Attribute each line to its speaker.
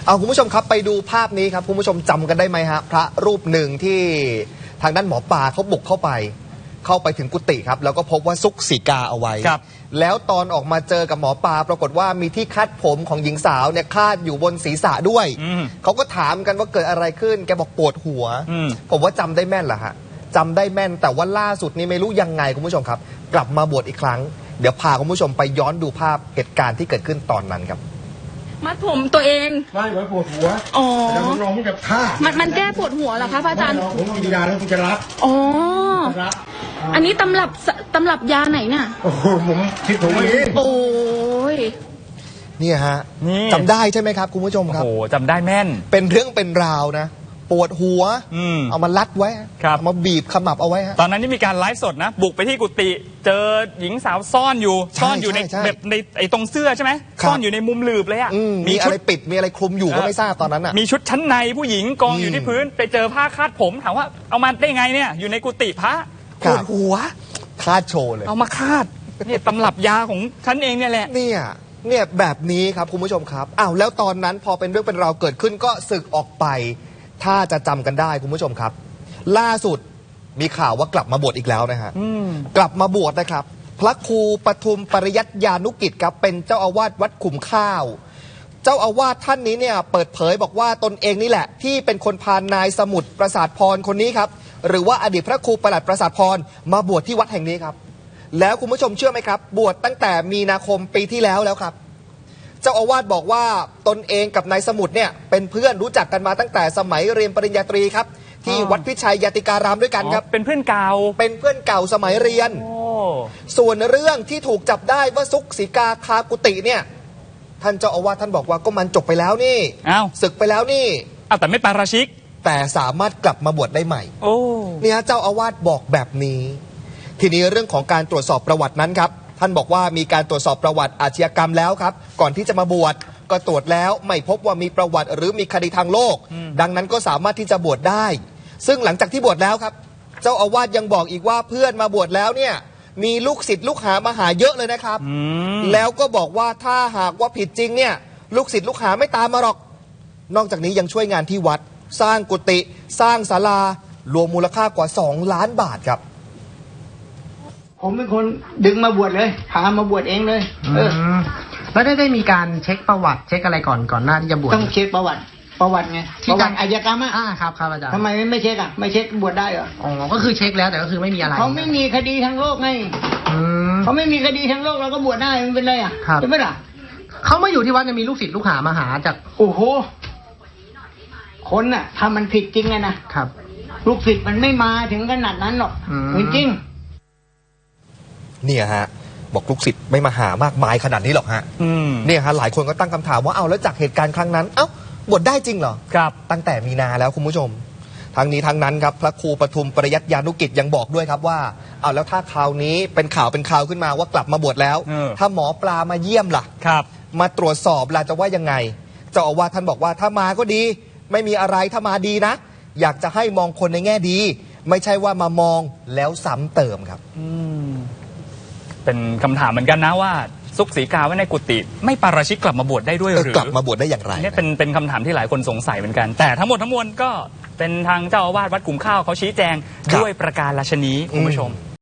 Speaker 1: เอาคุณผู้ชมครับไปดูภาพนี้ครับคุณผู้ชมจำกันได้ไหมฮะพระรูปหนึ่งที่ทางด้านหมอปลาเขาบุกเข้าไปถึงกุฏิครับแล้วก็พบว่าซุกสีกาเอาไว้แล้วตอนออกมาเจอกับหมอปลาปรากฏว่ามีที่คาดผมของหญิงสาวเนี่ยคาดอยู่บนศีรษะด้วยเขาก็ถามกันว่าเกิดอะไรขึ้นแกบอกปวดหัวผมว่าจำได้แม่นแหละฮะจำได้แม่นแต่ว่าล่าสุดนี้ไม่รู้ยังไงคุณผู้ชมครับกลับมาบวชอีกครั้งเดี๋ยวพาคุณผู้ชมไปย้อนดูภาพเหตุการณ์ที่เกิดขึ้นตอนนั้นครับ
Speaker 2: มัดผมตัวเอง
Speaker 3: ไม่ไว้ปวดหัว
Speaker 2: อ๋อ
Speaker 3: แต่ผมลองมันจะฆ่า
Speaker 2: มันแก้ปวดหัวเหรอคะพระอาจารย์
Speaker 3: ผมกินยาแล้วผมจะรับ
Speaker 2: อ๋ออันนี้ตำรับยาไหนน่ะ
Speaker 3: โอ้โหผมคิดถูกเอง
Speaker 2: โอ้ย
Speaker 1: นี่ฮะจำได้ใช่ไหมครับคุณผู้ชมครับ
Speaker 4: โอ้จำได้แม่น
Speaker 1: เป็นเรื่องเป็นราวนะปวดหัวเอามาลัดไว้เอามาบีบขมับเอาไว้ฮะ
Speaker 4: ตอนนั้นนี่มีการไลฟ์สดนะบุกไปที่กุฏิเจอหญิงสาวซ่อนอยู่ในแบบในไอ้ตรงเสื้อใช่ไหมซ่อนอยู่ในมุมหลืบเลยอ่ะ
Speaker 1: มีอะไรปิดมีอะไรคลุมอยู่ก็ไม่ทราบตอนนั้นอ่ะ
Speaker 4: มีชุดชั้นในผู้หญิงกองอยู่ที่พื้นไปเจอผ้าคาดผมถามว่าเอามาได้ไงเนี่ยอยู่ในกุฏิพระ
Speaker 1: ปวดหัวคาดโชว์เลย
Speaker 4: เอามาคาดเนี่ยตำรับยาของฉันเองเนี่ยแหละ
Speaker 1: เนี่ยแบบนี้ครับคุณผู้ชมครับอ้าวแล้วตอนนั้นพอเป็นเรื่องเป็นราวเกิดขึ้นก็สึกออกไปถ้าจะจำกันได้คุณผู้ชมครับล่าสุดมีข่าวว่ากลับมาบวชอีกแล้วนะฮะกลับมาบวชนะครับพระครูปทุมปริยัติยานุกิจครับเป็นเจ้าอาวาสวัดขุมข้าวเจ้าอาวาสท่านนี้เนี่ยเปิดเผยบอกว่าตนเองนี่แหละที่เป็นคนพานายสมุทรประสาทพรคนนี้ครับหรือว่าอดีตพระครูประหลัดประสาทพรมาบวชที่วัดแห่งนี้ครับแล้วคุณผู้ชมเชื่อไหมครับบวชตั้งแต่มีนาคมปีที่แล้วครับเจ้าอาวาสบอกว่าตนเองกับนายสมุทรเนี่ยเป็นเพื่อนรู้จักกันมาตั้งแต่สมัยเรียนปริญญาตรีครับที่วัดพิชัยยติการามด้วยกันครับ
Speaker 4: เป็นเพื่อนเก่า
Speaker 1: สมัยเรียนส่วนเรื่องที่ถูกจับได้ว่าซุกสีกาคากุฏิเนี่ยท่านเจ้าอาวาสท่านบอกว่าก็มันจบไปแล้วนี่ศึกไปแล้วนี่
Speaker 4: แต่ไม่ปาราชิก
Speaker 1: แต่สามารถกลับมาบวชได้ใหม่เนี่ยเจ้าอาวาสบอกแบบนี้ทีนี้เรื่องของการตรวจสอบประวัตินั้นครับท่านบอกว่ามีการตรวจสอบประวัติอาชญากรรมแล้วครับก่อนที่จะมาบวชก็ตรวจแล้วไม่พบว่ามีประวัติหรือมีคดีทางโลกดังนั้นก็สามารถที่จะบวชได้ซึ่งหลังจากที่บวชแล้วครับเจ้าอาวาสยังบอกอีกว่าเพื่อนมาบวชแล้วเนี่ยมีลูกศิษย์ลูกหามาหาเยอะเลยนะครับแล้วก็บอกว่าถ้าหากว่าผิดจริงเนี่ยลูกศิษย์ลูกหาไม่ตามมาหรอกนอกจากนี้ยังช่วยงานที่วัดสร้างกุฏิสร้างศาลารวมมูลค่ากว่า2 ล้านบาทครับ
Speaker 5: ผมเป็นคนดึงมาบวชเลยพามาบวชเองเลย
Speaker 6: แล้วได้มีการเช็คประวัติเช็คอะไรก่อนหน้าที่จะบวช
Speaker 5: ต้องเช็คประวัติไงประวัติอาชญากรรม
Speaker 6: ครับอาจารย์
Speaker 5: ทำไมไม่เช็คไม่เช็คบวชได้เหรอ
Speaker 6: ก็คือเช็คแล้วแต่ก็คือไม่มีอะไร
Speaker 5: เขาไม่มีคดีทางโลกไงเขาไม่มีคดีทางโลกเราก็บวชได้มันเป็นไรใช่ไหมล่ะ
Speaker 6: เขามาอยู่ที่วัดจะมีลูกศิษย์ลูกหามาหาจาก
Speaker 5: โอ้โหคนน่ะถ้ามันผิดจริงนะครับลูกศิษย์มันไม่มาถึงขนาดนั้นหรอกจริง
Speaker 1: เนี่ยฮะบอกลูกศิษย์ไม่มาหามากมายขนาดนี้หรอกฮะเนี่ยฮะหลายคนก็ตั้งคำถามว่าเอาแล้วจากเหตุการณ์ครั้งนั้นบวชได้จริงเหรอ
Speaker 4: ครับ
Speaker 1: ตั้งแต่มีนาแล้วคุณผู้ชมทั้งนี้ทั้งนั้นครับพระครูปทุมปริยัติยานุกิจยังบอกด้วยครับว่าเอาแล้วถ้าคราวนี้เป็นข่าวขึ้นมาว่ากลับมาบวชแล้วถ้าหมอปลามาเยี่ยมล่ะ
Speaker 4: ครับ
Speaker 1: มาตรวจสอบล่ะจะว่ายังไงเจ้าอาวาสท่านบอกว่าถ้ามาก็ดีไม่มีอะไรถ้ามาดีนะอยากจะให้มองคนในแง่ดีไม่ใช่ว่ามามองแล้วซ้ำเติมครับ
Speaker 4: เป็นคำถามเหมือนกันนะว่าซุกสีกาไว้ในกุฏิไม่ปาราชิกกลับมาบวชได้ด้วยหรือก
Speaker 1: ลับมาบวชได้อย่างไร
Speaker 4: นี่เป็นคำถามที่หลายคนสงสัยเหมือนกันแต่ทั้งหมดทั้งมวลก็เป็นทางเจ้าอาวาสวัดขุมข้าวเขาชี้แจงด้วยประการราชนีคุณผู้ชม